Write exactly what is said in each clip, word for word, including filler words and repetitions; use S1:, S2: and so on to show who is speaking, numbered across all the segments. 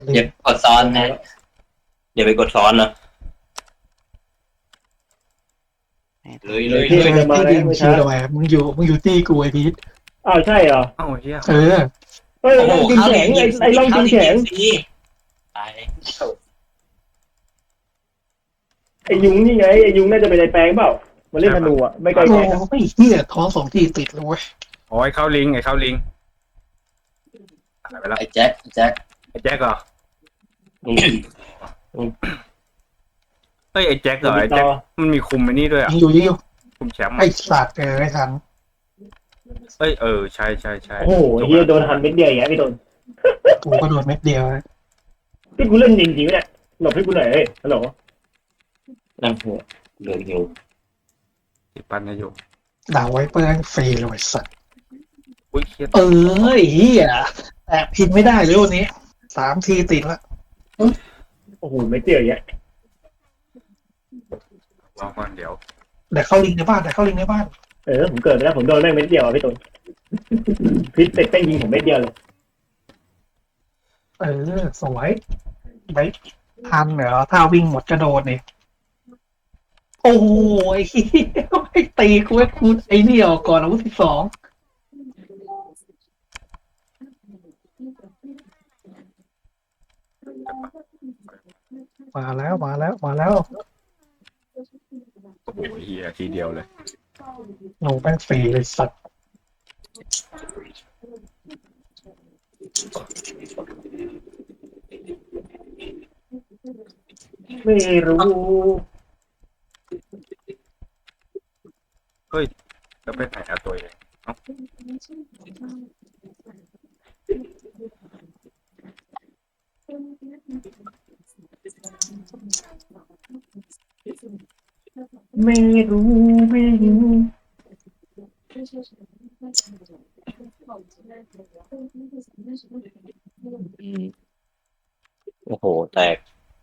S1: อย่ากดซ้อนนะอย่าไปกดซ้อนนะเลยเลย
S2: ที่
S1: เลย
S2: มันจะมาแล้ว
S3: ไม่
S2: ไม่
S3: ชิ
S2: ช้าว
S3: ทำไมมึงอยู่มึงอยู่ตีกูไอพีท
S2: อ้าวใช่เหรอ
S4: เอ้าเฮีย
S3: เออ
S2: เฮ้ยลองกินแข็งไอ้ไอ้ลองกินแข็ง
S1: ตาย
S2: ไอ้ยุงนี่ไงไอ้ยุงน่าจะเป็นไอ้แปลงเปล่ามาเล่นธนูอ่ะไม่ไกล
S3: โอ้
S2: แข็ง
S3: ไม่เหี้ยท้องสองทีติดเลยเว้ย
S4: โอ้ยเข้าลิงไอ้เข้าลิงหายไปแล้ว
S1: ไอ้แจ็คแจ็ค
S4: ไอ้แจ็คเหรอ
S1: อืม
S4: เฮ้ยไอ้แจ็คเหรอไอ้แจ็คมันมีคุมไอ้นี่ด้วยอ่ะ
S3: ยิงอยู่ยิงอยู่
S4: คุมแชมป์
S3: ไอสัตว์เออไอทัน
S4: เอ้ยเออใช่ใช่ใช่
S2: โอ้โหเฮียโดนหันเม็ดเดียวอย่างเงี้ยพี่โดน
S3: กูก็โดนเม็ดเดียวนะ
S2: พี่กูเล่นจริงๆเนี่ยหลบให้กูหน่อยเฮ้ยฮัลโหล
S1: นั่งหัวเดือดหิว
S4: ติดปันให้อยู่
S3: ด่าไว้เพื่อนฟรีเลยไอ้สัตว์
S4: อุ้ยเครียด
S3: เออไอ้เหี้ยแอบพินไม่ได้เลยวันนี้สามทีติดละ
S2: โอ้โหเม็ดเดียวอย่างเงี้ย
S4: รอก่อนเดี๋ยว
S3: แต่เข้าลิงในบ้านแต่เข้าลิงในบ้าน
S2: เออผมเกิดไปแล้วผมโดนแม่งเม็ดเดียวอ่ะพี่โดนพิษเป็ดแป้งยิงผมเม็ดเดียวเลย
S3: เออสวยไปทันเหรอถ้าวิ่งหมดกระโดดนี่โอ้ยเหี้ยไอ้ตีกูไอ้กูไอ้นี่ออกก่อนอาวุธที่สองมาแล้วมาแล้วมาแล้ว
S4: โอ้โหเฮียทีเดียวเลย
S3: หนูแป้งฟรีเลยสัตว์
S2: ไม่รู้
S4: แล้วไปไหนเอาตัวเองเอ้า
S2: ไม่รู้ไม่รู้
S1: โอ้โหแตก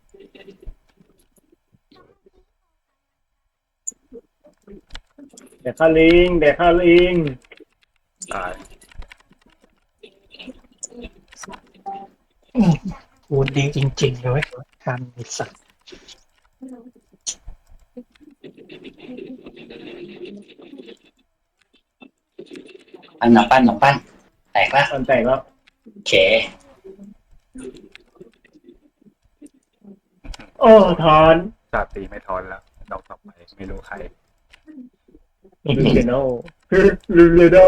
S2: เดี๋ยวข้าลิงเดี๋ยวข้าลิง
S4: ตาย
S3: กูดีจริงๆเลยทันไอ้สัตว์
S1: ปั้นหนังปั้นหนังปั้นแตกละ
S2: มันแตกแล้ว
S1: เข
S2: โอ้ทอน
S4: ชาตีไม่ทอนแล้วดอกต่อไปไม่รู้ใคร
S2: ลูเกโนลูเลโด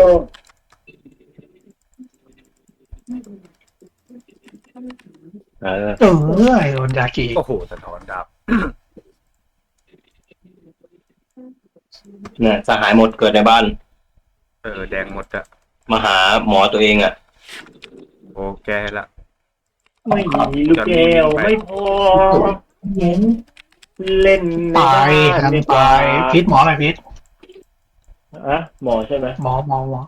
S1: เออ
S3: เออไอ้โดนยากิ
S4: โอ้โหสะท้อนดาบ
S1: เนี่ยสหายหมดเกิดในบ้าน
S4: เออแดงหมดอะ
S1: มาหาหมอตัวเองอ่ะ
S4: โอ้แก้ละ
S2: ไม่มีลูกแก้วไม่พอเล่นใน
S3: ตาย
S2: บ้าน
S3: ทัน
S2: ดีกว่
S3: ตายพิษหมออะไรพิษ
S2: อะหมอใช่ไหม
S3: หมอหมอหมอ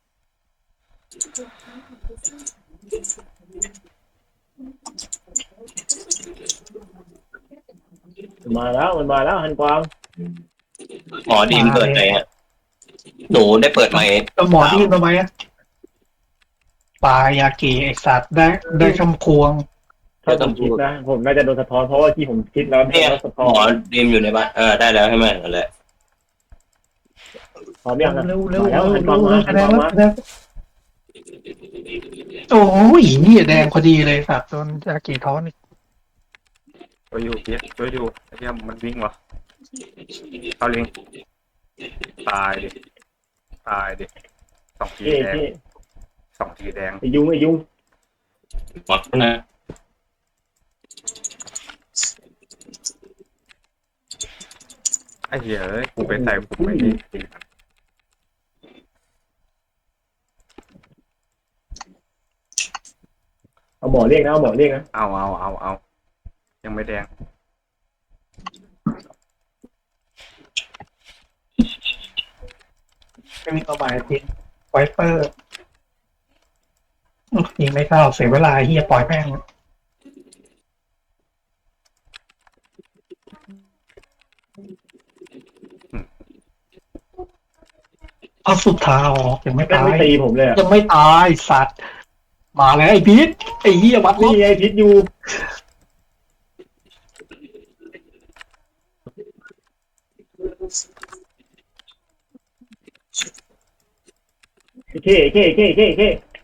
S2: มาแล้วมันมาแล้วฮันกวาง
S1: หมอดีมเกิดไหนฮะหนูได้เปิดไหมค์
S3: แล้วหมอที่ทำไมอะปลายากิไอสัตว์ได้ได้คำควง
S2: ถ้าผมคิดนะผมน่าจะโดนสะท้อนเพราะว่าที่ผมคิดแล้ว
S1: เนี่ย
S2: โดนสะท้
S1: ห
S2: อ
S1: มอน ดีมอยู่ในบ้านเออได้แล้วใช่ไหมนั่นแหละ
S2: พร้อมยังนะ
S3: เร็วเร็ว
S2: มา
S3: เร็
S2: แล้ว
S3: ว
S2: ฮันก
S3: เร็
S2: วาง
S3: ว
S2: มาฮั
S3: คะ
S2: น
S3: แน
S2: ก
S3: น
S2: วาง
S3: แล้ว
S2: มา
S3: คะแนนโอ้ยนี่แดงพอดีเลยสัตว์โดนยากิท้อนอีก
S4: ช่วยอยู่เพียรช่วยดูไอ้เหี้ยมันวิ่งวะเข้าลิงตายดิตายดิสองที
S2: เจ๊
S4: แดง
S2: เจ๊
S4: สองทีแดง
S2: ไอ้ยุงไอ้ยุง
S1: หมดนะ
S4: ไอ้เหี้ยเอ้ยกูไปใส่ผมไม่ดี
S2: เอาหมอเรียกนะเอาหมอเรียกนะ
S4: เอาเอาเอาเอายังไม่แดง
S3: ไม่มีตัวหมายพิษไวเปอร์ยิงไม่เข้าเสียเวลาเฮียปล่อยแม่งเอาสุดท้ายออกยังไม่
S2: แม่ง
S3: ตา
S2: ไม่
S3: ย
S2: ตีผมเลยอะ
S3: ยังไม่ตายสัตว์มาแล้วไอ้พีทไอ้เหี้ยวัด
S2: นี่
S3: นี่
S2: ไงพิษอยู่เคเคเคเคเค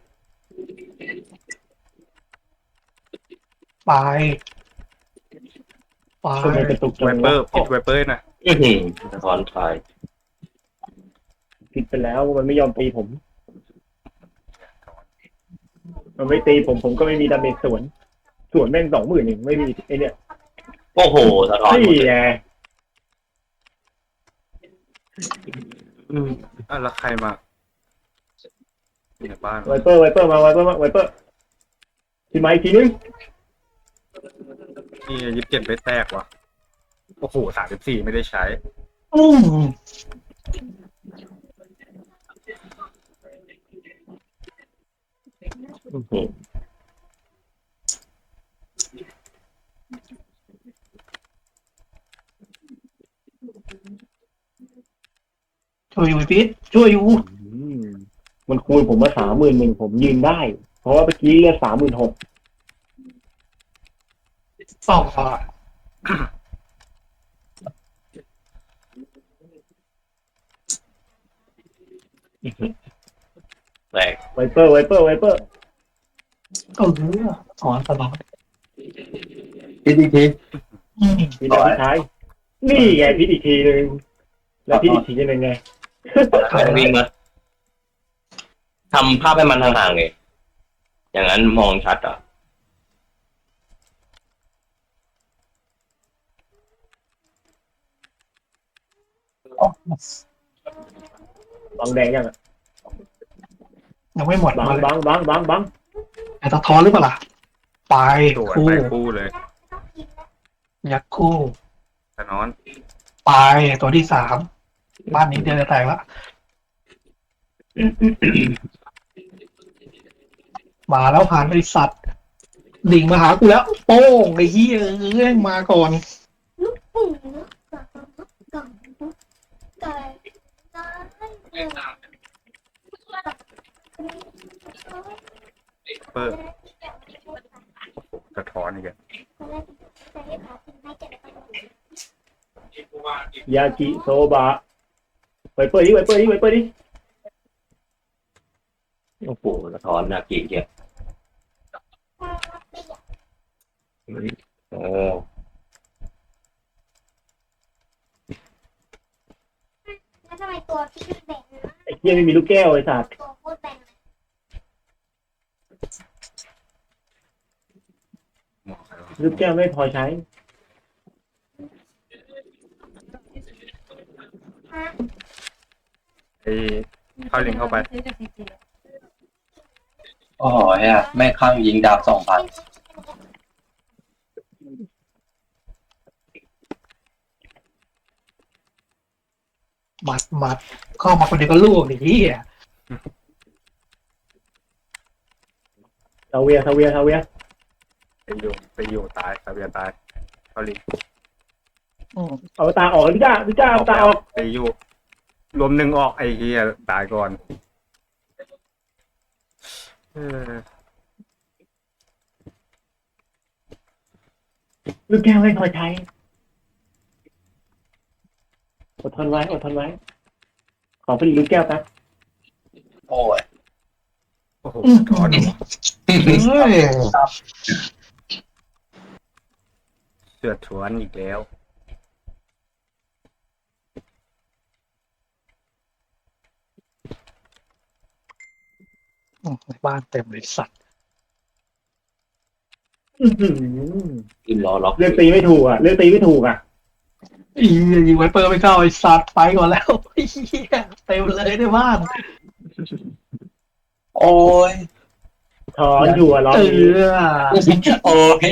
S3: ไปไป
S2: ทำไมกระตุกจั
S4: ไว
S2: ง
S4: เปอ
S2: วะ
S4: ร์ปิดไวเปอร์นะ
S1: อื้อหือสะท้อนทาย
S2: ผิดไปแล้วมันไม่ยอมตีผม มันไม่ตีผมผมก็ไม่มีดาเมจสวนสวนแม่งสองหมื่นเองไม่มีไอเนี่ย
S1: โอ้โหสะท้อนหมด
S2: นี่
S1: เลย
S2: ไง
S4: อืมอ่ะแล้วใครมาอยู่ในบ้าน
S2: ไวเปอร์ไวเปอร์มาไวเปอร์มาไวเปอร์ทีไม้ทีนึง
S4: นี่ยิบเจ็ดไปแตกว่ะโอ้โหสามสิบสี่ไม่ได้ใช้
S3: อืม
S1: อื้อหือ
S3: ช่วยอยู่ไอ้พีทช่วยอยู่
S2: อืมมันคูณผมมาสามหมื่นหนึ่งผมยืนได้ เพราะว่าเมื่อกี้เลือดสามหมื่นหก
S3: ต่อ
S1: แปลก
S2: ไวเปอร์ไวเปอร์ไวเปอร์
S3: เออถอนตลอด
S1: พิษอีกที
S3: อืม
S2: ทีนาทีท้ายนี่ไงพิษอีกทีนึงแล้วพิษอีกทีนึงไง
S1: วิ่งมาทำภาพให้มันห่างๆเลยอย่างนั้นมองชัดอ่ะ
S2: บางแดงยังอ่ะ
S3: ยังไม่หมด
S2: บาง
S3: มาเลย
S2: บางบางบางบาง
S3: แต่ตะท้อนหรือเปล่าล่ะไป
S4: สวน
S3: คู่
S4: ไปคู่เลย
S3: ยักษ์คู่
S4: แต่นอน
S3: ไปตัวที่สามบ้านนี้เดือนจะแตกละมาแล้วผ่านไอสัตว์ดิ่งมาหากูแล้ว โป้งไอ้เหี้ยเอ้ยมาก่อน
S5: ลูกปู่ก่อนไก่น้อย
S4: เปอร์กระท้อนอีกแล้ว
S2: ยากิโซบะไวเปอร์ดิไวเปอร์ดิไวเปอร์ดิ
S1: โอ้โหสะท้อนน่าเกลียดเกียดเออ
S5: แล้วทำไมตัวพี่แบ่ง
S2: ไอ้เหี้ยไม่มีลูกแก้วไอ้สัตว์
S5: ตัวโคตรแบ่ง
S4: หมอใครวะ
S2: ลูกแก้วไม่พอใช้
S4: ไอ้เข้าลิงเข้าไป
S6: โอ้โหเฮียแม่งข้างยิงดาบสองพัน
S3: หมัดหมัดเข้ามาคนเดียวก็ลูกไอ้เหี้ย
S2: ซาเวียซาเวียซาเวีย
S4: ไปอยู่ไปอยู่ตายซาเบียตายเข้าลิง
S3: อืม
S2: เอาตาออกพี่จ้าพี่จ้าเอาตาออก
S4: ไปอยู่รวมหนึ่งออกไอ้เฮียตายก่อนเออ
S2: ลูกแก้วไม่พอใช้อดทนไว้อดทนไว้ ขอผลิตลูกแก้วแป๊บ
S6: โอ้ย
S4: โอ้โห
S3: อืม
S4: ท้อนว่ะ
S3: เฮ้ย
S4: เสือถวนอีกแล้ว
S3: อืมในบ้านเต็มเลยสัตว์
S2: อื้อหือ
S1: อินล้อล็อก
S2: เลือกตีไม่ถูกอ่ะเลือกตีไม่ถูกอ่ะ
S3: อียิงไวเปอร์ไม่เข้าไอ้สัตว์ไปก่อนแล้วไอ้เหี้ยเต็มเลยในบ้าน
S6: โอ้ย
S2: ถอนอยู่อ่ะรอบ
S3: เอ
S2: นี้
S3: อ
S6: โอ้ย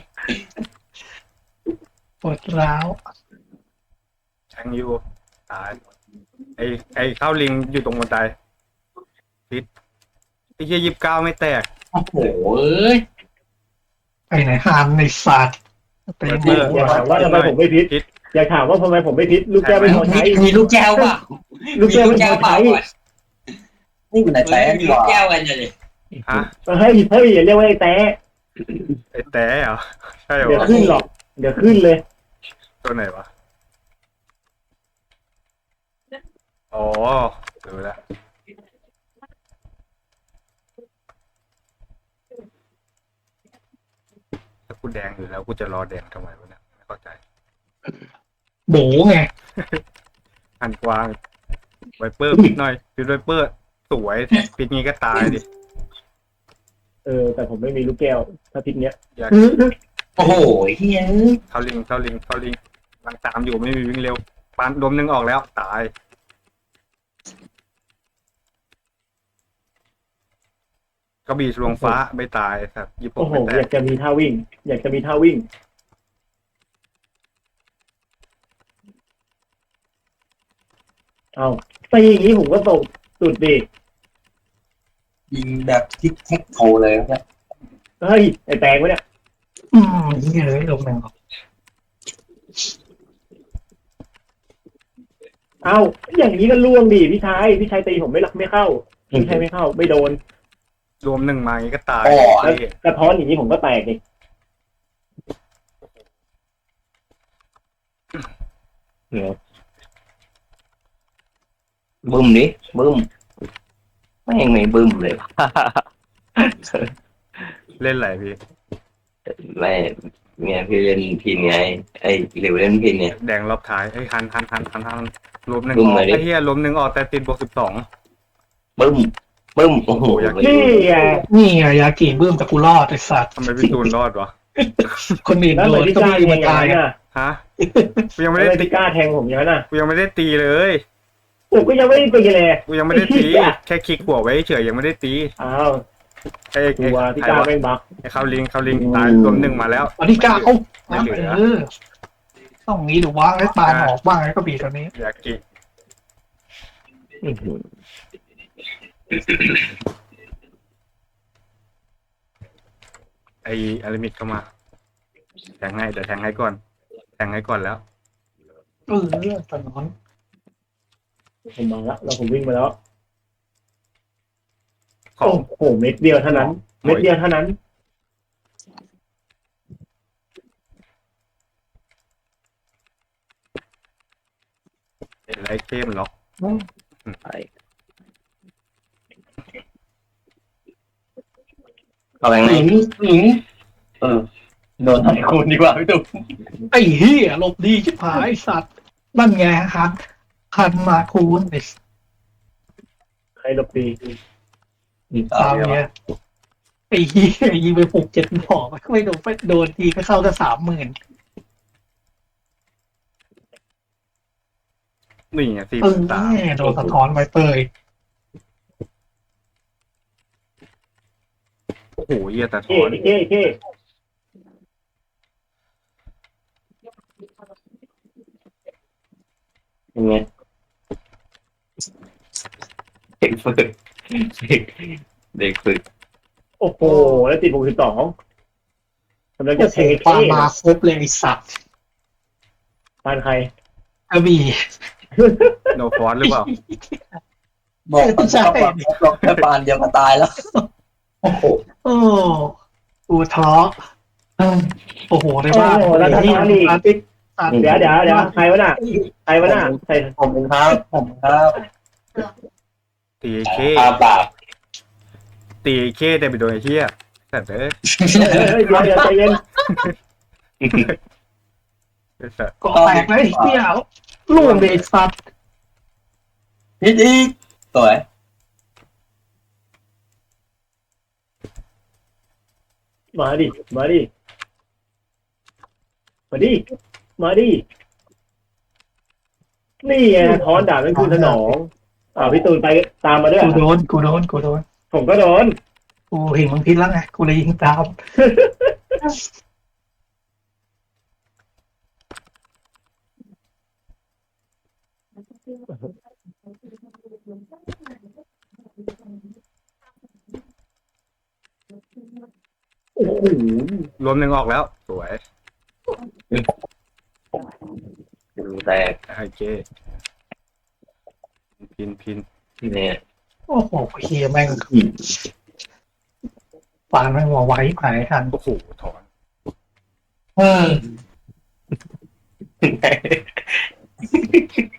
S3: ปวดร้าว
S4: แทงอยู่ตายไอ้ไอ้เข้าลิงอยู่ตรงบันไดพิษไอ้เฮียยิบเก้าไม่แตก
S6: โอ้โหเอ้ย
S3: ไปไหนฮานในสัตว์ไปหม
S4: เอ
S3: ด
S4: อ
S2: อย่าถามว่าทำไมผมไม่พิษอย่าถามว่าทำไมผมไม่พิษลูกแก้วไม่พอ
S6: มี
S2: ใช้
S6: มีลูกแก้วเปล่ะ
S2: ลูก
S6: มี
S2: แก้ว
S6: ลูก
S2: ไม่พ
S6: แก้
S2: อ
S6: วเปล่า
S2: ใช้
S6: ก่อนนี่อยู่ไหนแต่
S3: เฮ้ย
S6: มีลูกแก้วกันเลย
S4: ฮะ
S2: เฮ้ยเฮ้ยอย่าเรียกว่าไอ้แต้
S4: ไอ้แต่เหรอใช่เหร
S2: เดี๋ยว
S4: อ
S2: ขึ้นหรอก เดี๋ยวขึ้นเลย
S4: ตัวไหนวะอ๋อดูแล้วถ้ากูแดงอยู่แล้วกูจะรอแดงทำไมวะเนี่ยไม่เข้าใจ
S3: โบไง
S4: หันกวางไวเปอร์ปิดหน่อยปิดไวเปอร์สวยปิดงี้ก็ตายดิ
S2: เออ แต่ผมไม่มีลูกแก้วถ้าทิศเนี้ย
S4: อยาก
S6: โอ้โหเฮีย
S4: เข้าลิงเข้าลิงเข้าลิงกำลังตามอยู่ไม่มีวิ่งเร็วปานดมหนึงออกแล้วตายกระบี่ทะลวงฟ้าไม่ตายครับยี่ป
S2: โอ้
S4: ก
S2: โห
S4: ไม่แต
S2: อยาก กจะมีท่าวิ่ง อยากจะมีท่าวิ่ง เอาตีอย่างนี้ผมก็ตกสุดดิ
S6: ยิงแบบทิกแท็กโทเลยเนี่ย
S2: เฮ้ย ไอ้แตงวะเนี่ย
S3: อืมเหี้ยเลยลงแมง
S2: เอาอย่างนี้ก็ล่วงดิพี่ชาย พี่ชายตีผมไม่รักไม่เข้า พี่ชายไม่เข้า ไม่โดน
S4: รวมหนึ่งมาอย่างนี้ก็ตาย
S6: อ๋อ
S2: แล้วกระท้อนอย่างนี้ผมก็แตกดิ
S1: เนี่ยบึ้มดิบึ้มไม่งไม่บึ้มเลย ว่ะ
S4: เล่นไหลพี่
S1: ไม่เนี่ยพี่เล่นพินไงไอ้หลิวเล่นพินเนี่ย
S4: แดงรอบท้ายเฮ้ยหันหันหันหันหันรวมหนึ่ง
S1: บึ้
S4: อ
S1: ม
S4: อก
S1: เลยดิ
S4: ไอ้เหี้ยรวมหนึ่งออกแต่ติดบวกสิบสอง
S1: บึ้มบึ้มโอ้โห
S4: อยาก
S2: นี่ไง
S3: นี่ไงยากิบื้มแต่กูรอดไอ้สัตว์
S4: ทำไมพี่ตูนรอดวะ
S3: คนอื่น
S2: แล้ว
S3: โด
S2: เหมือน
S3: น
S2: ที่
S3: ก็
S2: กล้า
S3: วิ่ง
S2: แท
S3: มาง
S2: อย่าง
S3: ตาย
S2: นั้น
S3: อ่ะ
S2: น่ะ
S4: ฮะกูยังไม่
S2: แล้ว
S4: ได้
S2: เหมือน
S4: ตี
S2: ที่กล้าแทงผมอย่างนั้นน่ะ
S4: กูยังไม่ได้ตีเลย
S2: ผมก็ยังไม่ได้ตีเลย
S4: กูยังไม่ได้ตี
S2: ไอ้เหี้ย
S4: แค่คลิกหัวไว้เฉยยังไม่ได้ตี
S2: อ้าว
S4: ไอ้
S2: กลั
S4: ไอ้
S2: วที่
S4: ใคร
S2: กล้าว
S4: ะ
S2: แม่งบัก
S4: ไอ้เข้าลิงเข้าลิงตายรวมหนึ่งมาแล้ว
S3: อันนี้กล้าเอ้า
S4: ไม่เหลือ
S3: เออต้องงี้ดูว่าให้ปานออกบ้างไอ้กระบี่ตัวนี้
S4: อยากกิ
S1: อื้อหือ
S4: ไอ้อาริมิดเข้ามาแทงให้เดี๋ยวแทงให้ก่อนแทงให้ก่อนแล้ว
S3: เออตอนนั้น
S2: ผมมาแล้วแล้วผมวิ่งมาแล้ว
S4: ขอ
S2: โอ้
S4: ง
S2: โหเม็ดเดียวเท่านั้น เม็ดเดียวเท่านั้น
S4: ไลท์เข้มล็อก
S1: ไปเอาไปไง
S6: หญิงหญิงเออโดนไทยคูณดีกว่าพี่ตุ๊ก
S3: ไอ้เหี้ยหลบดีชิบหายไอ้สัตว์นั่นไงฮันฮันมาคูนไอ้
S2: ใครหลบตี
S3: ตามเนี่ยไอ้เหี้ยยิงไปหกเจ็ดดอกไม่โดนไม่โดนทีก็เข้าก็สามหมื่น
S4: นี่ไงสี่
S3: เออ
S4: ตาม
S3: แม่โดนสะท้อนไปเตย
S4: โอ้โหเยี่ยแต่ถ
S2: เก้
S4: อน
S2: เก้เก้
S1: ยังไงเด็กฝึกเด็กเด็กฝึก
S2: โอ้โห แล้วติดบวกสิบสองกำลัง
S3: โอ้
S2: จะ
S3: โห
S2: เทค
S3: ปามาครบเลยไอ้สัตว์
S2: ปานใคร
S3: กระบี่
S4: โนฟอนหรือเปล่า
S6: บอกมันชอบบอกบอกแค่ปานเดียวก็ตายแล้ว โอ้โห
S3: โอ้อูท้อโอ้โหในบ้าน
S2: โอ้โหแล้วทำงานอีก
S3: อาทิตย์ตัด
S2: เดี๋ยวเดี๋ยวเดี๋ยวใครวะน่ะใครวะน่ะใคร
S6: ผมครับผมครับ
S4: ตีเค
S6: ตาปาก
S4: ตีเคแต่ไปโดนไอ้เหี้ยแต่เด้อ
S2: เฮ้ยเดี๋ยวเดี๋ยวใจเย็น
S4: ไอ้สัส
S3: ก็แตกเลยไอ้เหี้ยลูกเด็กสัตว์
S6: พิดอีกสวย
S2: มาดิ มาดิ มาดิ มาดิ นี่ไงท้อนดาบนั่นคือสนอง อ่าพี่ตูนไปตามมาด้วย
S3: กูโดนกูโดนกูโดน
S2: ผมก็โดน
S3: กูเห็นมึงพิษแล้วไงกูเลยยิงตาม
S2: โอ้โห
S4: รวมหนึ่งออกแล้ว สวย
S1: ดูแตก
S4: ไอ้เจพินพิน
S1: เนี่ย
S3: โอ้โหเฮียแม่งปานไม่หัวไว้หายทัน
S4: โอ้โหถอน
S6: เฮ้ย